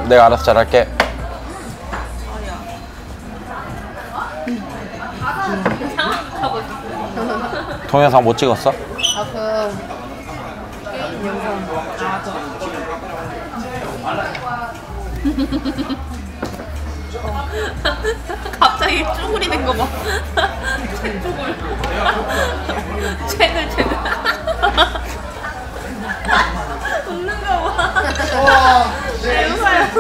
내가 알아서 잘할게. 동영상 못 찍었어? 아, 게임 영상. 갑자기 쭈구리 된 거 봐. 최근. 웃는 거 봐. 내 웃어요.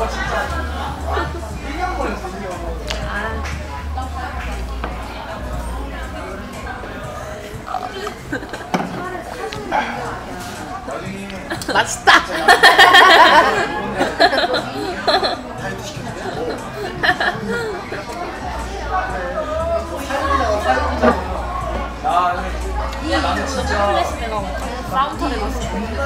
맛있다. 플래시 내가 사운드 내놨어.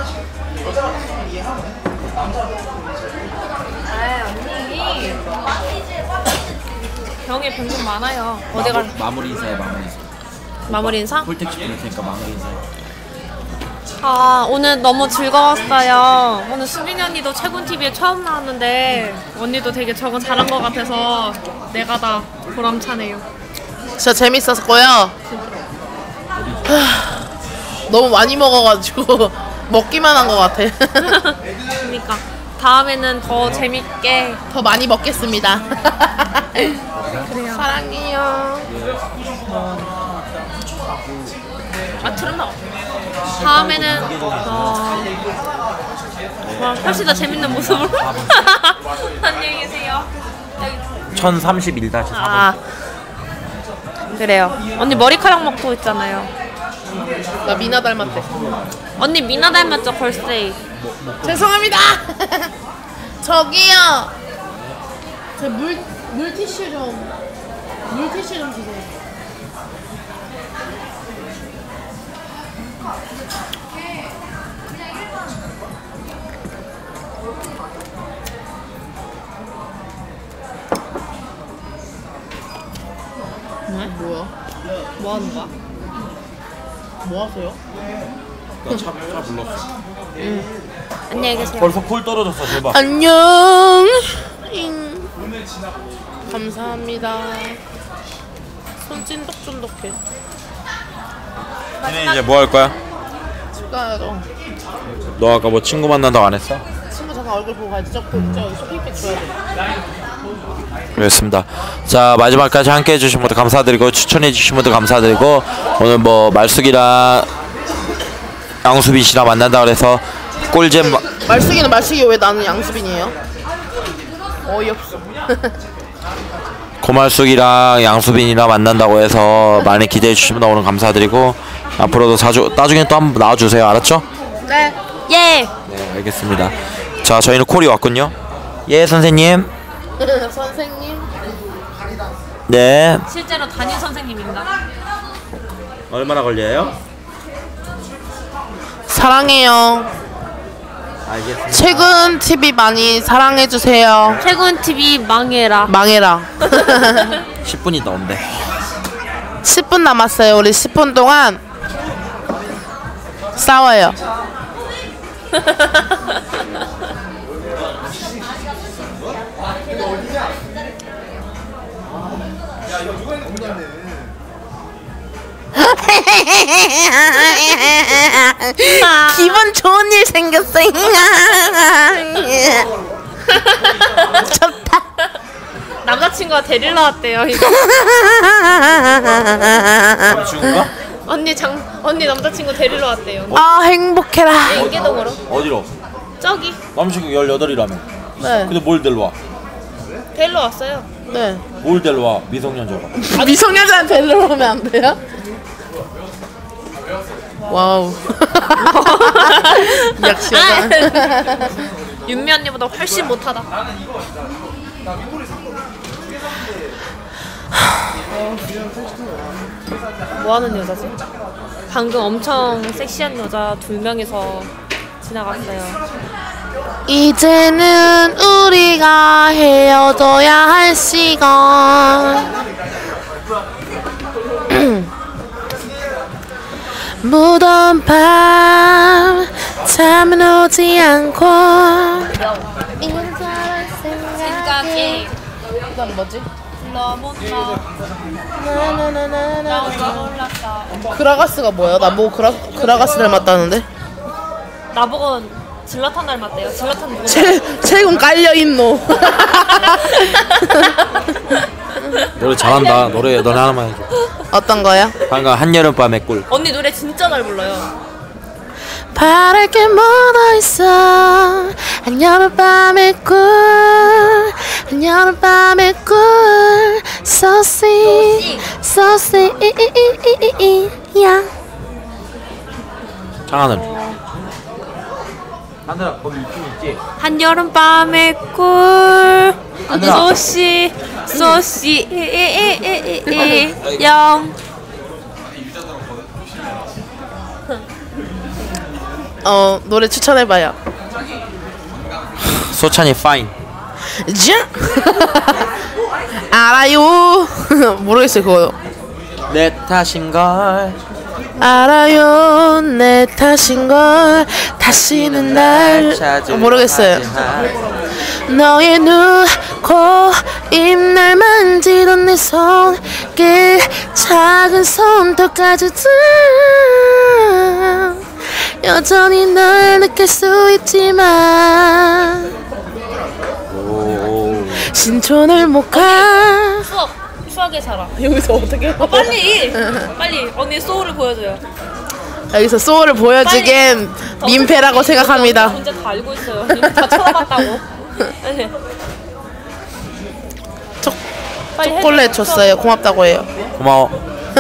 아 언니. 병에 병좀 많아요. 어디 갈? 마무리 인사해, 마무리 인사. 마무리 인사? 폴텍 시킬 테니까 마무리 인사해. 아 오늘 너무 즐거웠어요. 오늘 수빈이 언니도 채군TV에 처음 나왔는데 언니도 되게 적응 잘한 것 같아서 내가 다 보람차네요. 진짜 재밌었고요. 너무 많이 먹어가지고 먹기만 한 것 같아. 그러니까 다음에는 더 재밌게 더 많이 먹겠습니다. 그래요. 사랑해요. 아 틀었나? 다음에는 훨씬 더 재밌는 모습으로. 안녕히 계세요. 1031-4. 아 그래요. 언니 머리카락 먹고 있잖아요. 나 미나 닮았대. 언니 미나 닮았죠 걸스데이. 죄송합니다. 저기요. 저 물티슈 좀 주세요. 뭐야? 뭐 하는 거야? 뭐 하세요? 차 불렀어. 안녕히 계세요. 벌써 콜 떨어졌어, 대박. 안녕. 감사합니다. 손 찐득찐득해. 니네 이제 뭐 할 거야? 집 가야죠. 너 아까 뭐 친구 만난다고 안 했어? 친구 잠깐 얼굴 보고 가야지. 저 쇼핑백 줘야 돼. 그렇습니다. 자, 마지막까지 함께 해주신 분들 감사드리고 추천해주신 분들 감사드리고 오늘 뭐 말숙이랑 양수빈 씨랑 만난다 그래서 꿀잼 말숙이는 말숙이 왜 나는 양수빈이에요? 어이없어. 고말숙이랑 양수빈이랑 만난다고 해서 많이 기대해 주시면 오늘 감사드리고 앞으로도 자주 나중에 또 한번 나와주세요. 알았죠? 네. 예. 네, 알겠습니다. 자, 저희는 콜이 왔군요. 예, 선생님. 선생님. 네. 실제로 담임 선생님인가? 얼마나 걸려요? 사랑해요. 알겠습니다. 최근 TV 많이 사랑해주세요. 채군TV 망해라. 망해라. 10분이 넘는데. 10분 남았어요. 우리 10분 동안 싸워요. 기분 좋은 일 생겼어. 좋다. 남자친구가 데리러 왔대요. 이거. 남친구가? 언니 남자친구 데리러 왔대요. 아 행복해라. 인계동으로. 어디로? 저기 남친구 18이라며. 네. 근데 뭘 데려와? 데리러 왔어요. 네. 뭘 데려와? 미성년자가. 미성년자한테 데리러 오면 안 돼요? 와우. 역시 여자. 윤미 언니보다 훨씬 못하다. 뭐 하는 여자지? 방금 엄청 섹시한 여자 2명이서 지나갔어요. 이제는 우리가 헤어져야 할 시간. 무더운 밤 잠은 오지 않고 인사를 생각이 그다음 뭐지? 너무 나 몰랐어. 그라가스가 뭐야? 나 뭐 그라가스 닮았다는데? 나보고 질라탄 닮았대요. 질라탄 누구? 체군 깔려있노. 노래 잘한다. 노래 너네 하나만 해줘. 어떤 거야? 방금 한여름밤의 꿀. 언니 노래 진짜 잘 불러요. 바랄 게 묻어 있어 한여름밤의 꿀 한여름밤의 꿀 So sweet So sweet 야 창하늘. 하늘아 거기 유튜브 있지? 한여름밤의 꿀 하늘아. 소시 영 노래 추천해봐요. 소찬이 파인. 자 알아요. 모르겠어요 그거. 내 탓인걸. 알아요 내 탓인걸 다시는 날 모르겠어요. 너의 눈, 코, 입 날 만지던 내 손길 작은 손톱까지도 여전히 널 느낄 수 있지만 오. 신촌을 못가 추억의 사랑. 여기서 어떻게 빨리 언니 소울을 보여줘요. 여기서 소울을 보여주기엔 민폐라고 생각합니다. 혼자 다 알고 있어요. 이미 다 쳐다봤다고. 네. 초콜릿 줬어요. 고맙다고 해요. 고마워.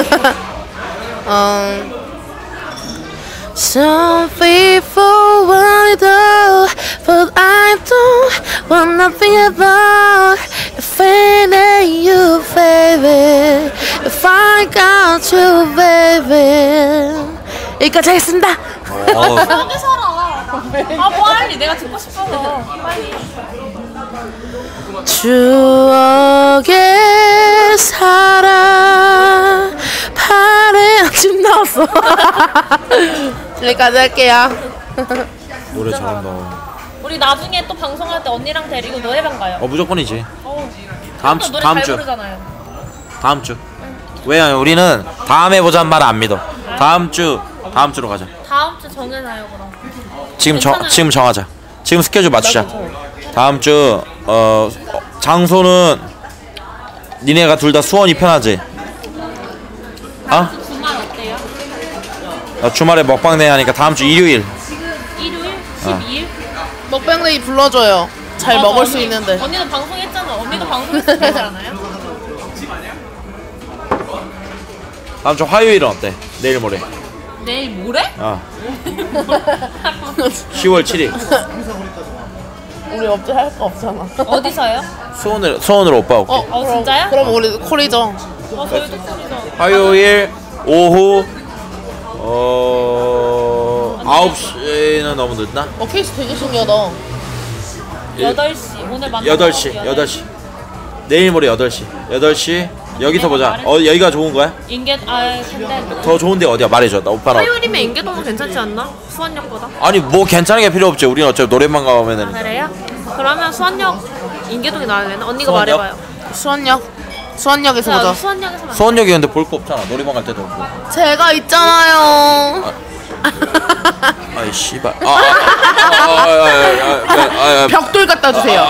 Some people want it all, but I don't want nothing about if it ain't you, baby. If I got you, baby. 여기까지 하겠습니다. 추억의 사랑. 아 빨리 내가 듣고 싶어서 빨리. 추억의 사랑 파래 지금 나왔어. 여기까지 할게요. 노래 잘한다. 우리 나중에 또 방송할 때 언니랑 데리고 노래방 가요. 무조건이지. 어. 다음 또 주 노래 다음 잘 주 부르잖아요. 다음 주. 왜냐면 우리는 다음에 보자는 말 안 믿어. 다음 주로 가자. 다음 주 정해놔요 그럼. 지금 괜찮아요. 정하자. 지금 스케줄 맞추자. 다음 주 장소는 니네가 둘 다 수원이 편하지? 어? 주말 어때요? 나 주말에 먹방 내야 하니까 다음 주 일요일. 일요일? 12일? 먹방데이 불러줘요. 잘 맞아, 먹을 수 언니, 있는데. 언니도 방송했잖아. 언니도 방송했으면 되지 않아요? 다음 주 화요일은 어때? 내일 모레. 내일 모레? 10월 7일. 우리 업체 할 거 없잖아. 어디서요? 수원으로 오빠 올게. 진짜요? 그럼 우리 콜이죠. 저희도 콜이죠. 화요일 오후 9시는 너무 늦나? 케이스 되게 신기하다. 8시. 오늘 만나 8시. 내일 모레 8시. 여기서 보자. 여기가 좋은 거야? 근데 더 좋은 데 어디야? 말해줘. 나 오빠랑. 화요일이면 인계동은 괜찮지 않나? 수원역보다? 아니 뭐 괜찮은 게 필요 없지. 우리는 어차피 노래방 가면은. 그래요? 그러면 수원역 인계동이 나으려나? 언니가 수원역? 말해봐요. 수원역에서 보자. 수원역에서 만나. 수원역이 근데 볼 거 없잖아. 노래방 갈 때도 없고. 제가 있잖아요. 아이 씨발. 벽돌 갖다 주세요.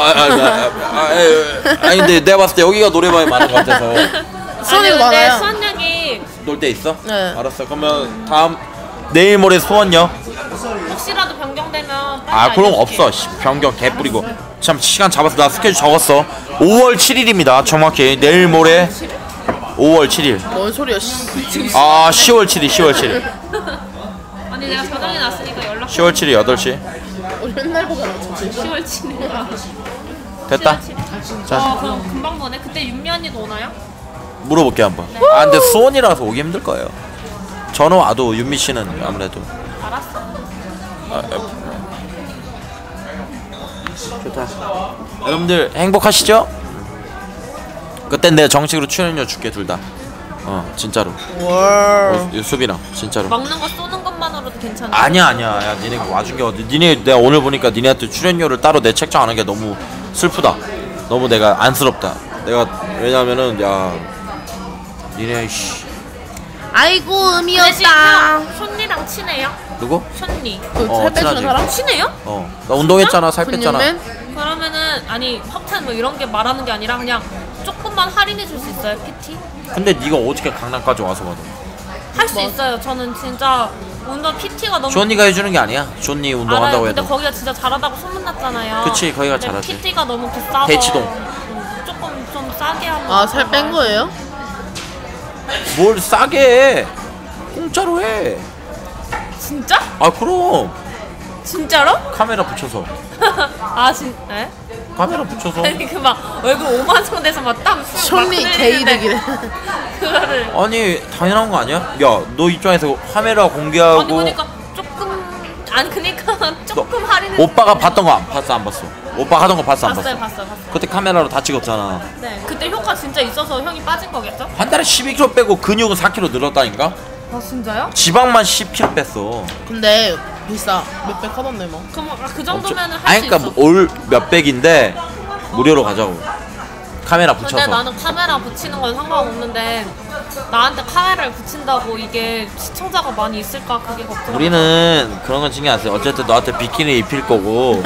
아니 근데 내가 봤을 때 여기가 노래방이 많은 것 같아서. 수원이가 아니, 근데 많아요. 수원역이 놀 때 있어? 네. 알았어. 그러면 내일 모레 수원역. 혹시라도 변경되면 빨리 그럼 알려줄게. 없어. 변경 개 뿌리고. 참 시간 잡았어. 나 스케줄 적었어. 5월 7일입니다. 정확히 내일 모레 5월 7일. 뭔 소리야? 10월 7일. 아니 내가 저장해 놨으니까 연락. 10월 7일 8시. 우리 맨날 보잖아. 10월 7일. 됐다. 자, 그럼 금방 보네. 그때 윤미 언니도 오나요? 물어볼게 한번. 근데 수원이라서 오기 힘들 거예요. 저는 와도 윤미 씨는 아무래도. 알았어. 좋다. 여러분들 행복하시죠? 그땐 내가 정식으로 출연료 줄게 둘 다. 진짜로. 월. 수비랑 진짜로. 먹는 거 쏘는 것만으로도 괜찮아. 아니야. 야, 니네 와준 게 어디? 니네 내가 오늘 보니까 니네한테 출연료를 따로 내 책정 안 한 게 너무 슬프다. 너무 내가 안쓰럽다. 내가 왜냐면은 야 니네 씨 아이고 대신 음이었다. 션니랑 친해요? 누구? 션니 살 빼주는 친하지. 사람? 친해요? 나 운동했잖아. 살 뺐잖아. 근육맨? 그러면은 아니 협찬 뭐 이런 게 말하는 게 아니라 그냥 조금만 할인해 줄 수 있어요 PT? 근데 네가 어떻게 강남까지 와서 받아? 할 수 있어요. 저는 진짜 운동 PT가 너무 존니가 해주는 게 아니야. 존니 운동한다고 알아요. 근데 해도. 거기가 진짜 잘하다고 소문났잖아요. 그치, 거기가 근데 잘하지. PT가 너무 비싸서 대치동. 조금 좀 싸게 하면. 아 살 뺀 거예요? 뭘 싸게 해. 공짜로 해. 진짜? 아 그럼 진짜로? 카메라 붙여서. 아 네? 카메라 붙여서. 아니 그 막 얼굴 5만 원 돼서 막땀 션니 개이득이래. 그거를. 아니 당연한 거 아니야? 야 너 입장에서 카메라 공개하고. 아니 그러니까 조금 아니 그러니까 조금 할인해. 오빠가 봤던 거 안 봤어 안 봤어? 오빠 하던 거 봤어 안 봤어요 봤어? 봤어요. 그때 카메라로 다 찍었잖아. 네 그때 효과 진짜 있어서 형이 빠진 거겠죠? 한 달에 12kg 빼고 근육은 4kg 늘었다니까? 아 진짜요? 지방만 10kg 뺐어. 근데 비싸. 몇백 하던데 뭐. 그럼 그 정도면은 할 수 아니 있어. 그러니까 올 몇백인데 무료로 가자고. 카메라 근데 붙여서. 나는 카메라 붙이는 건 상관없는데 나한테 카메라를 붙인다고 이게 시청자가 많이 있을까 그게 걱정. 우리는 그런 건 신경 안 써. 어쨌든 너한테 비키니 입힐 거고.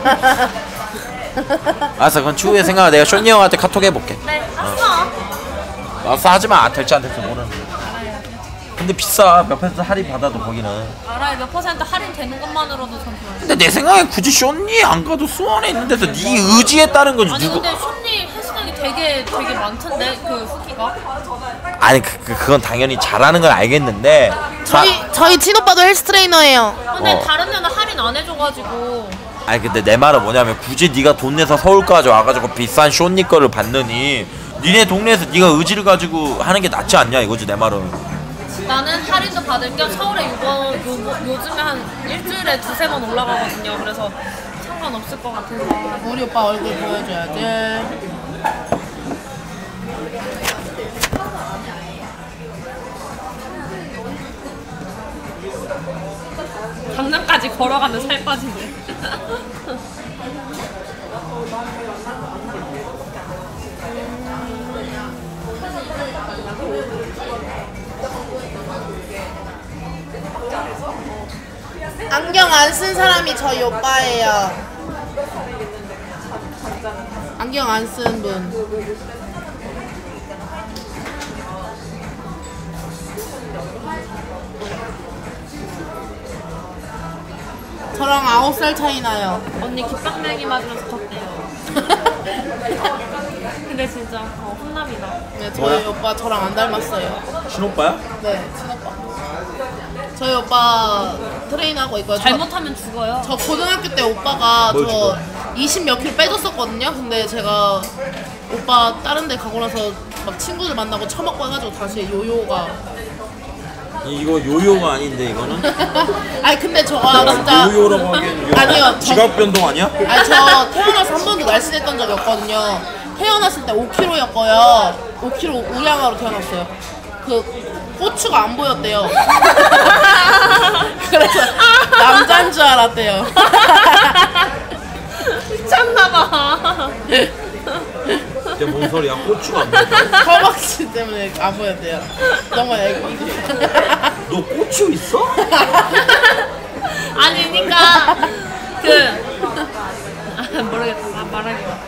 알았어 그건 추후에 생각하. 내가 쇼니 형한테 카톡 해볼게. 네 했어. 알았어 하지마. 될지 안 될지 모르는데. 근데 비싸. 몇 퍼센트 할인 받아도 거기는. 알아요 몇 퍼센트 할인 되는 것만으로도 전 좋아요. 근데 내 생각에 굳이 쇼니 안 가도 수원에 있는 데서 네 의지에 따른 거지. 아니 누구. 근데 션니 헬스장이 되게 많던데 그 후기가. 아니 그건 당연히 잘하는 건 알겠는데. 저희 친오빠도 헬스 트레이너예요. 근데 다른 데는 할인 안 해줘가지고. 아니 근데 내 말은 뭐냐면 굳이 네가 돈 내서 서울까지 와가지고 비싼 쇼니 거를 받느니 니네 동네에서 네가 의지를 가지고 하는 게 낫지 않냐 이거지 내 말은. 나는 할인도 받을 겸 서울에 요즘에 한 일주일에 2-3번 올라가거든요. 그래서 상관없을 것 같아서. 우리 오빠 얼굴 보여줘야지. 강남까지 걸어가면 살 빠지네. 안경 안 쓴 사람이 저희 오빠예요. 안경 안 쓴 분. 저랑 9살 차이 나요. 언니 깃방맹이 맞으면서 컸대요. 근데 진짜 혼남이다. 네, 저희 오빠 저랑 안 닮았어요. 친오빠야? 네, 친오빠. 저희 오빠 트레이너하고 있고요. 잘못하면 죽어요. 저 고등학교 때 오빠가 뭘 저 20 몇 킬로 빼줬었거든요. 근데 제가 오빠 다른 데 가고 나서 막 친구들 만나고 처먹고 해가지고 다시 요요가. 이거 요요가 아닌데 이거는? 아니 근데 저가 진짜 요요라고 하기엔 아니요, 저- 지각 변동 아니야? 아니 저 태어나서 한 번도 날씬했던 적이 없거든요. 태어났을 때 5kg였고요. 5kg 우량아로 태어났어요. 그 고추가 안 보였대요. 그래서 남자인 줄 알았대요. 미쳤나봐. 이게 뭔 소리야? 고추가 안 보여. 허벅지 때문에 안 보였대요. 너무 애기. 너 고추 있어? 아니 그니까 모르겠다. 말하기가.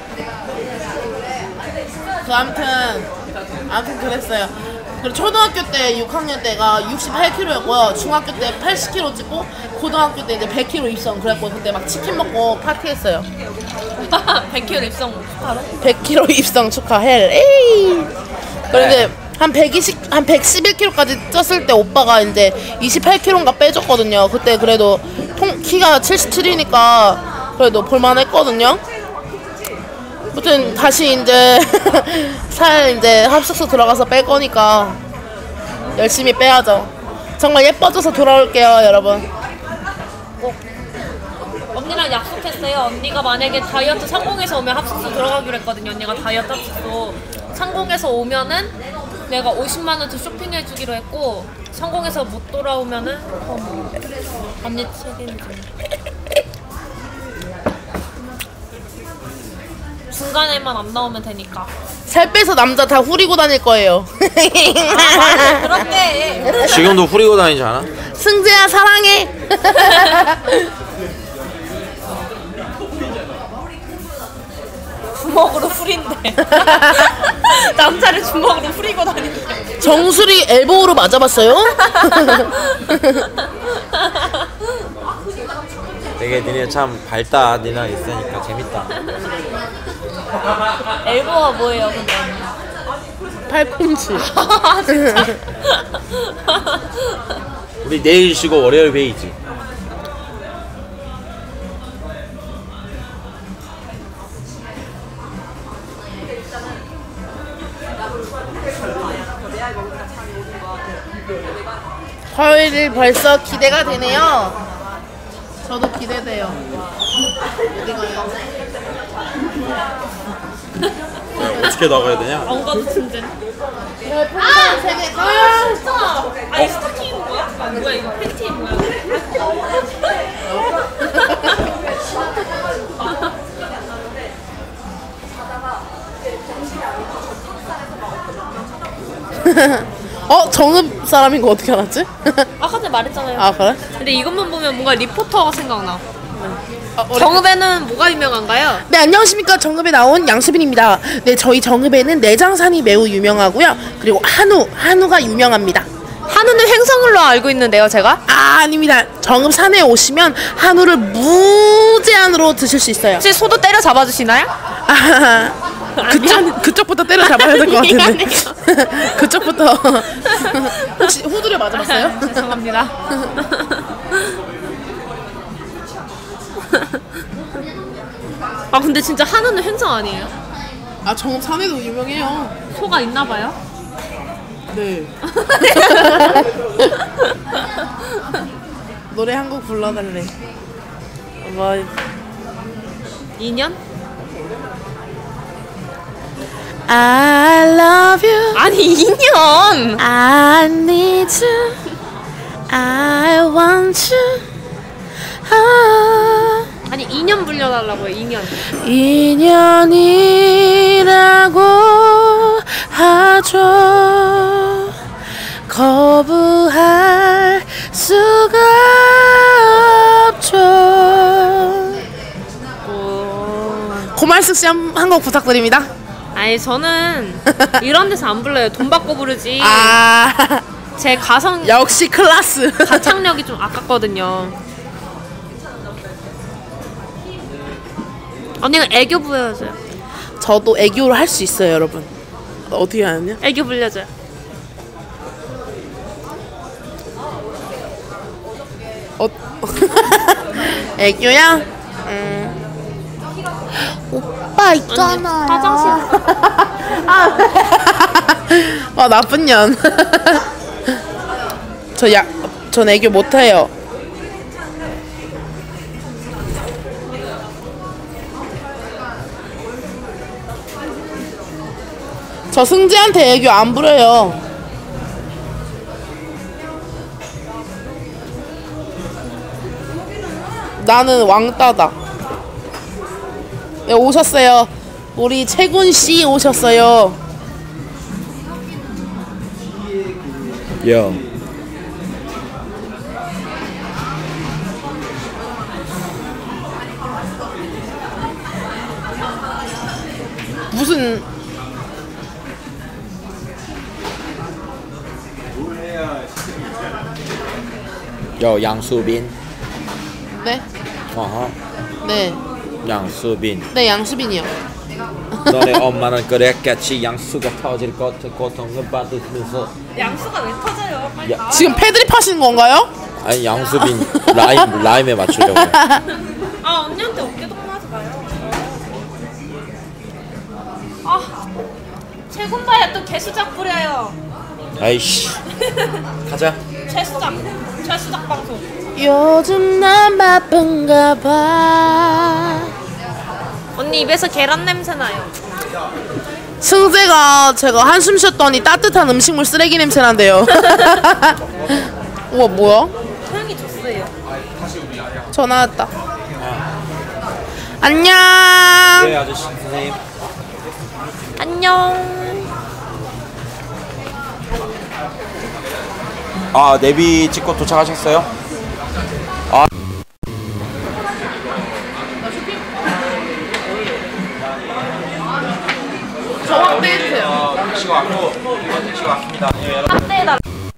그 아무튼 그랬어요. 그리고 초등학교 때 6학년 때가 68kg였고요. 중학교 때 80kg 찍고 고등학교 때 이제 100kg 입성. 그래갖고 그때 막 치킨 먹고 파티했어요. 100kg 입성 바로? 100kg 입성 축하해. 에이. 그런데 한 111kg까지 쪘을 때 오빠가 이제 28kg인가 빼줬거든요. 그때 그래도 키가 77이니까 그래도 볼만했거든요. 아무튼 다시 이제 살 이제 합숙소 들어가서 뺄 거니까 열심히 빼야죠. 정말 예뻐져서 돌아올게요, 여러분. 언니랑 약속했어요. 언니가 만약에 다이어트 성공해서 오면 합숙소 들어가기로 했거든요. 언니가 다이어트 합숙소 성공해서 오면은 내가 50만원치 쇼핑해주기로 했고 성공해서 못 돌아오면은 언니 책임져. 중간에만 안 나오면 되니까. 살 빼서 남자 다 후리고 다닐 거예요. 그런데 지금도 후리고 다니지 않아? 승재야 사랑해. 주먹으로 후린대. 남자를 주먹으로 후리고 다닌대. 정수리 엘보우로 맞아봤어요? 되게 니네 참 밝다. 니네 있으니까 재밌다. 엘보가 뭐예요, 근데? 팔꿈치. 진짜. 우리 내일 쉬고 월요일 회의지. 화요일 벌써 기대가 되네요. 저도 기대돼요. 어디 가요? 어떻게 나가야 되냐? 안 가도 진짜. 아! 세개 가요! 진짜. 아니 스타킹 뭐야? 뭐야 이거 팬티 뭐야? 정읍 사람인 거 어떻게 알았지? 아까 전에 말했잖아요. 아 그래? 근데 이것만 보면 뭔가 리포터가 생각나. 우리- 정읍에는 뭐가 유명한가요? 네 안녕하십니까 정읍에 나온 양수빈입니다. 네 저희 정읍에는 내장산이 매우 유명하고요. 그리고 한우가 유명합니다. 한우는 횡성을로 알고 있는데요, 제가. 아닙니다. 정읍 산에 오시면 한우를 무제한으로 드실 수 있어요. 혹시 소도 때려 잡아주시나요? 그쪽부터 때려 잡아야 될 것 같은데. 미안해요. 그쪽부터. 혹시 후드려 맞아봤어요? 죄송합니다. 아 근데 진짜 한우는 횡성 아니에요? 아 정읍 산에도 유명해요. 소가 있나봐요? 네. 노래 한 곡 불러달래. 뭐 2년? I love you. 아니 2년! I need you. I want you. 아. 아니 2년 불려달라고요. 2년. 인연이라고 하죠. 거부할 수가 없죠. 고말숙 씨 한 곡 부탁드립니다. 아니 저는 이런 데서 안 불러요. 돈 받고 부르지. 아 제 가성 역시 클라스. 가창력이 좀 아깝거든요. 언니가 애교 부여줘요. 저도 애교를 할 수 있어요, 여러분. 어떻게 하느냐? 애교 불려줘요. 애교야? 오빠 있잖아요. 화장실. 아 나쁜 년. 전 애교 못해요. 저 승재한테 애교 안 부려요. 나는 왕따다. 네, 오셨어요. 우리 채군 씨 오셨어요. 야. 무슨 양수빈. 네? 어허. 네. 양수빈. 네, 양수빈이요. 너네 엄마는 그랬겠지. 양수가 터질 것 같은 고통을 받으면서. 양수가 왜 터져요? 빨리 나와. 지금 패드립 하시는 건가요? 아니 양수빈 라임에 맞추려고. 아 언니한테 어깨 동무하지 마요. 아 최군바야 또 개수작 부려요. 아이씨. 가자. 최수작 방송. 요즘 난 바쁜가 봐. 언니 입에서 계란 냄새 나요. 승재가 제가 한숨 쉬었더니 따뜻한 음식물 쓰레기 냄새 난대요. 우와 뭐야? 향이 좋어요. 전화 왔다. 안녕. 네 아저씨 선생님. 안녕. 아, 내비 찍고 도착하셨어요? 아. 저 확대해주세요. 택시가 왔고, 택시가 왔습니다. 예, 확대해달라.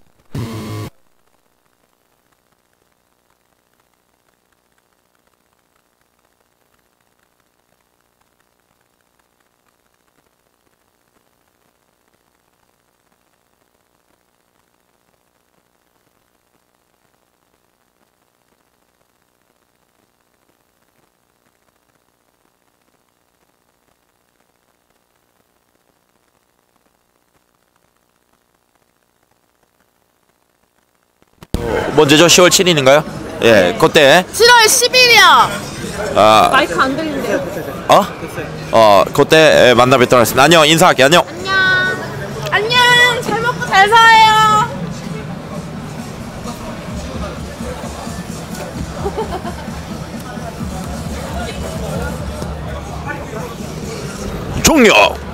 먼저죠. 10월 7일인가요? 예, 그때 7월 10일이야. 아, 마이크 안 들린대요. 그때 만나 뵙도록 하겠습니다. 안녕, 인사할게. 안녕. 안녕. 안녕. 잘 먹고 잘 살아요. 종료.